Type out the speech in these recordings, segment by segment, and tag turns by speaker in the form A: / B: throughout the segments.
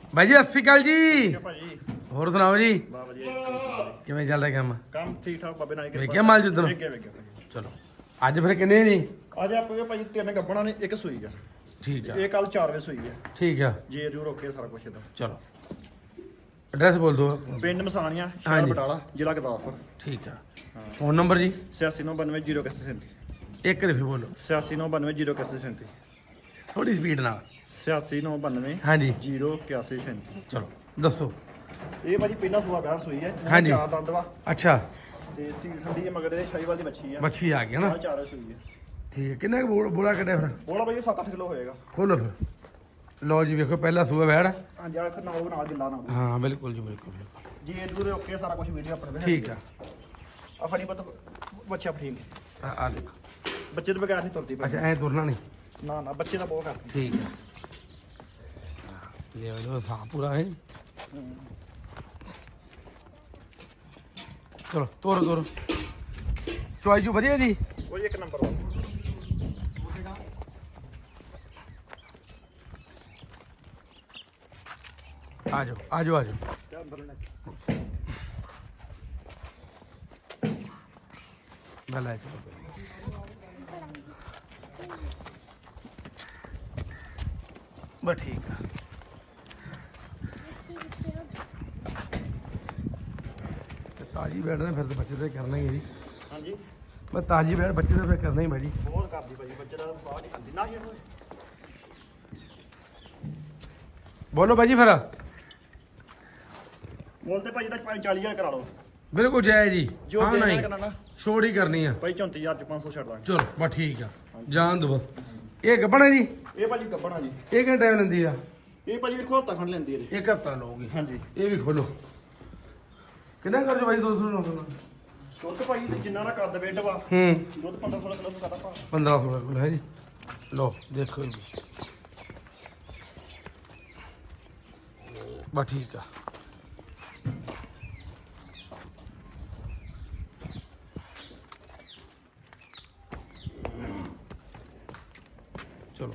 A: ਬਾਈ ਜੀ ਸਤਿ ਸ਼੍ਰੀ ਅਕਾਲ ਜੀ।
B: ਭਾਜੀ
A: ਹੋਰ ਸੁਣਾਓ ਜੀ,
B: ਬਾ ਵਧੀਆ
A: ਕਿਵੇਂ ਚੱਲ ਰਿਹਾ ਕੰਮ?
B: ਕੰਮ ਠੀਕ ਠਾਕ ਬਾਬੇ ਨਾਲ
A: ਵੇਖਿਆ ਮਾਲ ਜਿੱਦਣ?
B: ਵੇਖਿਆ
A: ਚਲੋ ਅੱਜ ਫਿਰ ਕਿੰਨੇ ਜੀ?
B: ਅੱਜ ਆਪਾਂ ਭਾਜੀ 3 ਗੱਬਣਾ ਨੇ ਇੱਕ ਸੂਈ ਆ।
A: ਠੀਕ ਆ,
B: ਇਹ ਕੱਲ 4 ਵਜੇ ਸੂਈ ਆ।
A: ਠੀਕ ਆ,
B: ਜੇ ਜੂ ਰੋਕੇ ਸਾਰਾ ਕੁਝ ਇਹਦਾ।
A: ਚਲੋ ਐਡਰੈਸ ਬੋਲ ਦਿਓ।
B: ਪਿੰਡ ਮਸਾਣੀਆਂ, ਸ਼ਹਿਰ
A: ਹਾਂਜੀ।
B: ਬਟਾਲਾ, ਜ਼ਿਲ੍ਹਾ ਗੁਰਦਾਸਪੁਰ।
A: ਠੀਕ ਆ, ਫੋਨ ਨੰਬਰ ਜੀ?
B: 86992037
A: ਇੱਕ ਰਿਫੀ ਬੋਲੋ
B: 86992037
A: ਥੋੜੀ ਸਪੀਡ ਨਾਲ।
B: 8699
A: ਹਾਂਜੀ
B: 08137।
A: ਚਲੋ ਦੱਸੋ।
B: ਇਹ ਭਾਜੀ ਪਹਿਲਾ ਸੂਆ ਬਾਹਰ ਸੂਈ ਹੈ।
A: ਹਾਂਜੀ।
B: 4 ਦੰਦ ਵਾ
A: ਅੱਛਾ,
B: ਤੇ ਸੀਲ ਠੰਡੀ ਹੈ, ਮਗਰ ਇਹ ਸ਼ਾਹੀਵਾਲ ਦੀ ਮੱਛੀ ਆ।
A: ਮੱਛੀ ਆ ਗਈ ਨਾ?
B: 4 ਸੂਈ ਹੈ।
A: ਠੀਕ ਹੈ, ਕਿੰਨਾ ਕੁ ਬੋਲਾ ਕੱਢਿਆ ਫਿਰ?
B: ਬੋਲਾ ਭਾਜੀ 7-8 ਕਿਲੋ ਹੋਏਗਾ।
A: ਖੋਲੋ ਫਿਰ। ਲਓ ਜੀ ਵੇਖੋ ਪਹਿਲਾ ਸੂਆ ਵੈੜ।
B: ਹਾਂਜੀ ਆ ਨਾਲ ਗਿੱਲਾ ਨਾਲ
A: ਹਾਂ ਬਿਲਕੁਲ ਜੀ ਬਿਲਕੁਲ।
B: ਜੇ ਜੂ ਰੋਕੇ ਸਾਰਾ ਕੁਝ ਵੀਡੀਓ ਆਪਣੇ
A: ਠੀਕ ਆ,
B: ਆ ਫੜੀ ਪਤ ਬੱਚਾ ਫੜੀ
A: ਆ ਦੇਖੋ।
B: ਬੱਚੇ ਤੋਂ ਬਗੈਰ ਨਹੀਂ ਤੁਰਦੀ ਭਾਜੀ।
A: ਅੱਛਾ ਐ ਤੁਰਨਾ ਨਹੀਂ?
B: ਨਾ ਨਾ ਬੱਚੇ ਦਾ ਬਹੁਤ ਕਰਦੀ।
A: ਠੀਕ ਆ, ਲੈ ਲਓ ਸਾਹ ਪੂਰਾ ਹੈ। ਚਲੋ ਤੋਰੋ ਤੋਰੋ। ਚੁਆਈ ਜੂ ਵਧੀਆ ਜੀ?
B: ਉਹ ਇੱਕ ਨੰਬਰ ਵਾ।
A: ਆ ਜਾਓ ਆ ਜਾਓ ਆ ਜਾਓ।
B: ਕਿਆ ਅੰਦਰ ਨੇ
A: ਗੱਲ ਹੈ ਚਲੋ। ਬਸ ਠੀਕ ਆ। ਤੇ ਤਾਜੀ ਬੈਠ ਨੇ ਫਿਰ ਤੇ ਬੱਚੇ ਤੇ ਕਰਨਾ ਹੀ ਹੈ ਜੀ।
B: ਹਾਂਜੀ
A: ਬਸ ਤਾਜੀ ਬੈਠ ਬੱਚੇ ਤੇ ਫਿਰ ਕਰਨਾ ਹੀ ਭਾਜੀ।
B: ਬਹੁਤ ਕਰਦੀ ਭਾਜੀ, ਬੱਚੇ ਦਾ ਬਾਹਰ ਨਹੀਂ ਖਾਂਦੀ ਨਾ ਇਹ।
A: ਬੋਲੋ ਭਾਜੀ ਫਿਰ।
B: ਬੋਲਦੇ ਭਾਜੀ ਤਾਂ 40,000 ਕਰਾ ਲਓ।
A: ਬਿਲਕੁਲ ਜਾਇਜ਼ ਜੀ।
B: ਜੋ
A: ਹਾਂ
B: ਦੇਣਾ
A: ਨਹੀਂ
B: ਕਰਨਾ ਨਾ
A: ਛੋੜ ਹੀ ਕਰਨੀ ਆ
B: ਭਾਈ 34,000 ਚ 500 ਛੱਡ ਦਾਂਗੇ।
A: ਚਲੋ ਬਸ ਠੀਕ ਆ, ਜਾਣ ਦੋ ਬਸ। ਇਹ ਗੱਬਣਾ ਜੀ?
B: ਇਹ ਭਾਜੀ ਗੱਬਣਾ ਜੀ।
A: ਇਹ ਕਿੰਨਾ ਟਾਈਮ ਲੈਂਦੀ ਆ?
B: ਇਹ ਭਾਜੀ ਵੇਖੋ ਹੱਥਾਂ ਖੰਡ ਲੈਂਦੀ ਇਹਦੇ।
A: ਇੱਕ ਹਫ਼ਤਾ ਲਊਗੀ।
B: ਹਾਂਜੀ
A: ਇਹ ਵੀ ਖੋਲੋ। ਕਿੰਨਾ ਕਰ ਜੋ ਭਾਈ 200 ਨੂੰ?
B: ਦੁੱਧ ਭਾਜੀ ਤੇ ਜਿੰਨਾ ਦਾ ਕੱਦ ਵੇਟ ਵਾ,
A: ਹੂੰ
B: ਦੁੱਧ 15-16 ਕਿਲੋ ਤੋਂ ਕਰਦਾ ਭਾ।
A: 1500 ਕੋਲ ਹੈ ਜੀ। ਲਓ ਦੇਖੋ ਜੀ ਬਸ ਠੀਕ ਆ। ਚਲੋ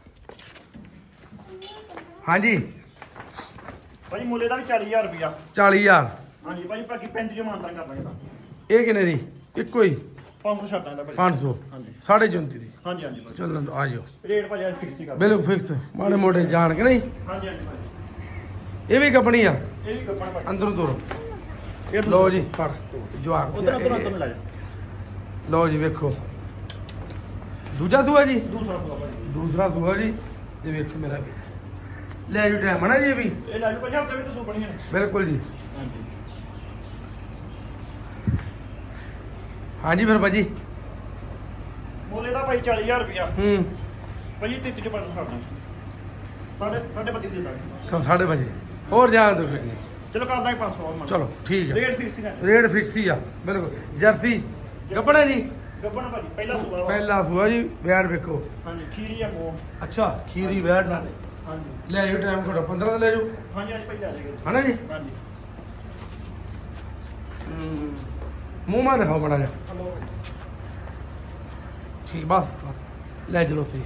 A: ਹਾਂਜੀ
B: ਭਾਜੀ ਮੁੱਲੇ ਦਾ ਵੀ 40,000 ਰੁਪਿਆ।
A: 40,000।
B: ਹਾਂਜੀ ਭਾਜੀ ਬਾਕੀ 35 ਜੋ ਮਾਨਤਾ ਕਰ ਦਾਂਗੇ ਤਾਂ।
A: ਇਹ ਕਿੰਨੇ ਦੀ? ਇੱਕੋ ਹੀ
B: 500 ਛੱਡ ਦਾਂਗੇ ਭਾਜੀ।
A: 500?
B: ਹਾਂਜੀ
A: 34.5 ਦੀ।
B: ਹਾਂਜੀ ਹਾਂਜੀ ਭਾਜੀ
A: ਚੱਲਣ ਦੋ, ਆ ਜਾਓ।
B: ਰੇਟ ਭਾਜੀ ਅੱਜ ਫਿਕਸ ਹੀ ਕਰ
A: ਬਿਲਕੁਲ ਫਿਕਸ, ਮਾੜੇ ਮੋਟੇ ਜਾਣ ਕੇ ਨਹੀਂ।
B: ਹਾਂਜੀ ਹਾਂਜੀ ਭਾਜੀ
A: ਇਹ ਵੀ ਕੱਪਣੀ ਆ?
B: ਇਹ ਵੀ ਗੱਬਣ ਭਾਜੀ।
A: ਅੰਦਰੋਂ ਤੋਰੋ।
B: ਇਹ
A: ਲਓ ਜੀ
B: ਫੜ
A: ਜਵਾਕ।
B: ਉਧਰ ਉਧਰ ਲੈ ਜਾ।
A: ਲਓ ਜੀ ਵੇਖੋ ਦੂਜਾ ਸੂਆ ਜੀ?
B: ਦੂਸਰਾ ਸੂਆ ਭਾਜੀ।
A: ਦੂਸਰਾ ਸੂਆ ਜੀ। ਤੇ ਵੇਖੋ ਮੇਰਾ ਵੀ ਲੈ ਜੂ ਟਾਈਮ ਨਾ ਜੀ ਇਹ ਵੀ।
B: ਇਹ ਲੈ ਜਾ ਭਾਜੀ, ਹਫ਼ਤੇ ਵਿੱਚ ਸੂ ਬਣੀਆਂ ਨੇ।
A: ਬਿਲਕੁਲ ਜੀ।
B: ਹਾਂਜੀ
A: ਹਾਂਜੀ ਫਿਰ ਭਾਜੀ।
B: ਮੁੱਲੇ ਦਾ ਭਾਈ 40,000 ਰੁਪਿਆ।
A: ਹੂੰ
B: ਭਾਜੀ 33 ਚ 500 ਛੱਡ ਦਾਂਗੇ। ਸਾਢੇ 32 ਦੇ ਦਾਂਗੇ।
A: 7:30 ਹੋਰ ਜਾਣ ਦੋ ਫਿਰ।
B: ਚਲੋ ਕਰ ਦਾਂਗੇ 500 ਹੋਰ ਮੰਨ।
A: ਚਲੋ ਠੀਕ ਆ,
B: ਰੇਟ ਫਿਕਸ ਹੀ ਹੈ।
A: ਰੇਟ ਫਿਕਸ ਹੀ ਆ ਬਿਲਕੁਲ। ਜਰਸੀ ਗੱਬਣਾ ਜੀ?
B: ਗੱਬਣ ਭਾਜੀ ਪਹਿਲਾ ਸੂਆ ਵਾ।
A: ਪਹਿਲਾ ਸੂਆ ਜੀ। ਵੈੜ ਵੇਖੋ।
B: ਹਾਂਜੀ ਖੀਰੀ ਆ ਮੋ।
A: ਅੱਛਾ ਖੀਰੀ ਵੈੜ ਨਾਲ।
B: ਹਾਂਜੀ
A: ਲੈ ਜੂ ਟਾਈਮ ਤੁਹਾਡਾ 15 ਦਾ ਲੈ ਜੂ
B: ਹਾਂਜੀ ਹਾਂਜੀ ਭਾਈ ਲੈ ਜਾਏਗਾ।
A: ਹਨਾ ਜੀ?
B: ਹਾਂਜੀ
A: ਮੂੰਹ ਮਾ ਦਿਖਾਓ ਬੜਾ ਜਿਹਾ।
B: ਹਲੋ
A: ਠੀਕ ਬਸ ਬਸ ਲੈ ਚਲੋ ਸਹੀ।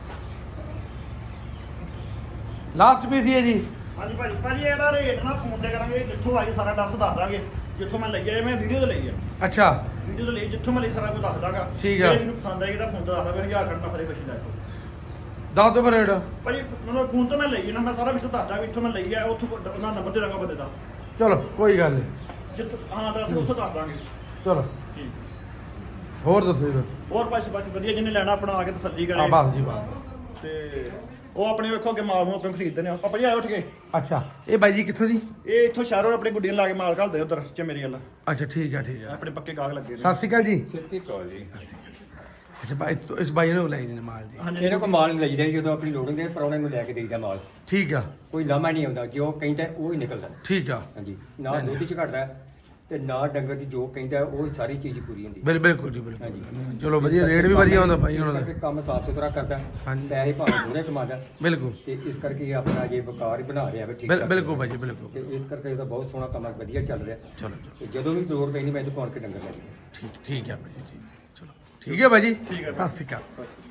A: ਲਾਸਟ ਪੀਸ ਹੀ ਹੈ ਜੀ?
B: ਹਾਂਜੀ ਭਾਜੀ ਭਾਜੀ ਇਹਦਾ ਰੇਟ ਨਾ ਫੋਨ ਤੇ ਕਰਾਂਗੇ, ਜਿੱਥੋਂ ਆਈ ਸਾਰਾ ਦੱਸ ਦਾਂਗੇ। ਜਿੱਥੋਂ ਮੈਂ ਲਈ ਆ, ਮੈਂ ਵੀਡੀਓ ਤੇ ਲਈ ਆ।
A: ਅੱਛਾ
B: ਵੀਡੀਓ ਤੇ ਲਈ, ਜਿੱਥੋਂ ਮੈਂ ਲਈ ਸਾਰਾ ਕੁਝ ਦੱਸ ਦਾਂਗਾ।
A: ਠੀਕ ਆ।
B: ਜੇ ਮੈਨੂੰ ਪਸੰਦ ਆਏਗੀ ਤਾਂ ਫੋਨ ਤੇ ਦੱਸ ਦਾਂਗਾ। 1000 ਕਰਨਾ ਫਰੇ ਕੁਛ ਲੈ ਜਾਓ
A: ਦੱਸ ਦਿਓ ਫਿਰ ਰੇਟ।
B: ਭਾਜੀ। ਮੈਨੂੰ ਫੋਨ ਤੋਂ ਮੈਂ ਲਈ ਨਾ, ਮੈਂ ਸਾਰਾ ਵਿਸ਼ਾ ਦੱਸ ਦਾਂਗਾ। ਇੱਥੋਂ ਮੈਂ ਲਈ ਆ, ਉੱਥੋਂ ਉਹਨਾਂ ਨੰਬਰ ਦੇ ਦਾਂਗਾ ਬੰਦੇ ਦਾ।
A: ਚਲੋ ਕੋਈ ਗੱਲ ਨਹੀਂ।
B: ਜਿੱਥੋਂ ਹਾਂ ਦੱਸ ਉੱਥੋਂ ਦੱਸ ਦਾਂਗੇ।
A: ਚਲੋ
B: ਠੀਕ
A: ਹੋਰ ਦੱਸੋ ਜੀ ਫਿਰ।
B: ਹੋਰ ਭਾਜੀ ਬਾਕੀ ਵਧੀਆ, ਜਿਹਨੇ ਲੈਣਾ ਆਪਣਾ ਆ ਕੇ ਤਸੱਲੀ
A: ਆ
B: ਕਰੇ।
A: ਬਸ ਜੀ ਬਸ।
B: ਤੇ ਉਹ ਆਪਣੇ ਵੇਖੋ ਅੱਗੇ ਮਾਲ ਨੂੰ ਆਪਣੇ ਖਰੀਦਦੇ ਨੇ। ਆਪਾਂ ਭਾਜੀ ਆਏ ਉੱਠ ਕੇ।
A: ਅੱਛਾ ਇਹ ਬਾਈ ਜੀ ਕਿੱਥੋਂ ਜੀ?
B: ਇਹ ਇੱਥੋਂ ਸ਼ਹਿਰੋਂ ਆਪਣੇ ਗੁੱਡੀਆਂ ਲਾ ਕੇ ਮਾਲ ਘੱਲਦੇ ਉਧਰ ਚਮੇਰੀ ਵਾਲਾ।
A: ਅੱਛਾ ਠੀਕ ਆ ਠੀਕ ਆ।
B: ਆਪਣੇ ਪੱਕੇ ਗਾਹਕ ਲੱਗੇ ਨੇ।
A: ਸਤਿ ਸ਼੍ਰੀ ਅਕਾਲ ਜੀ।
C: ਸੱਚੀ ਕਾਲ ਜੀ।
A: ਅੱਛਾ ਬਾਈ ਇਸ ਬਾਈ ਨੂੰ ਲੈ ਜੀ ਮਾਲ ਜੀ।
B: ਹਾਂਜੀ
C: ਇਹਨਾਂ ਕੋਲ ਮਾਲ ਨਹੀਂ ਲਈਦਾ ਜਦੋਂ ਆਪਣੀ ਲੋੜ ਹੁੰਦੀ ਹੈ, ਪ੍ਰਾਹੁਣੇ ਨੂੰ ਲੈ ਕੇ ਦੇਈਦਾ ਮਾਲ।
A: ਠੀਕ ਆ
C: ਕੋਈ ਲਾਮਾ ਨਹੀਂ ਆਉਂਦਾ, ਜੋ ਕਹਿੰਦਾ ਉਹ ਹੀ ਨਿਕਲਦਾ।
A: ਠੀਕ ਆ।
C: ਹਾਂਜੀ ਨਾ ਦੁੱਧ ਚ ਘਟਦਾ ਤੇ ਨਾ ਡੰਗਰ ਦੀ ਜੋ ਕਹਿੰਦਾ ਉਹ ਸਾਰੀ ਚੀਜ਼ ਪੂਰੀ ਹੁੰਦੀ।
A: ਬਿਲਕੁਲ ਜੀ ਬਿਲਕੁਲ।
C: ਹਾਂਜੀ।
A: ਚਲੋ ਵਧੀਆ, ਰੇਟ ਵੀ ਵਧੀਆ ਹੁੰਦਾ ਭਾਈ
C: ਇਸ
A: ਉਹਨਾਂ
C: ਕਰਕੇ
A: ਦਾ।
C: ਕੰਮ ਸਾਫ ਸੁਥਰਾ ਕਰਦਾ।
A: ਹਾਂਜੀ।
C: ਪੈਸੇ ਭਾਵੇਂ ਥੋੜੇ ਕਮਾਦਾ
A: ਬਿਲਕੁਲ
C: ਤੇ ਇਸ ਕਰਕੇ ਇਹ ਆਪਣਾ ਜੇ ਵਕਾਰ ਹੀ ਬਣਾ ਰਿਹਾ ਵਾ ਠੀਕ ਠਾਕ।
A: ਬਿਲਕੁਲ ਭਾਈ ਜੀ ਬਿਲਕੁਲ।
C: ਤੇ ਇਸ ਕਰਕੇ ਇਹਦਾ ਬਹੁਤ ਸੋਹਣਾ ਕੰਮ ਵਧੀਆ ਚੱਲ ਰਿਹਾ।
A: ਚਲੋ ਚਲੋ
C: ਤੇ ਜਦੋਂ ਵੀ ਲੋੜ ਪੈਂਦੀ ਮੈਂ ਇੱਥੇ ਪਹੁੰਚ ਕੇ ਡੰਗਰ ਲੈ ਜਾਵਾਂ।
A: ਠੀਕ ਹੈ ਭਾਈ ਜੀ। ਚਲੋ ਠੀਕ ਹੈ ਭਾਈ ਜੀ।
B: ਠੀਕ ਹੈ।
A: ਸਤਿ ਸ਼੍ਰੀ ਅਕਾਲ।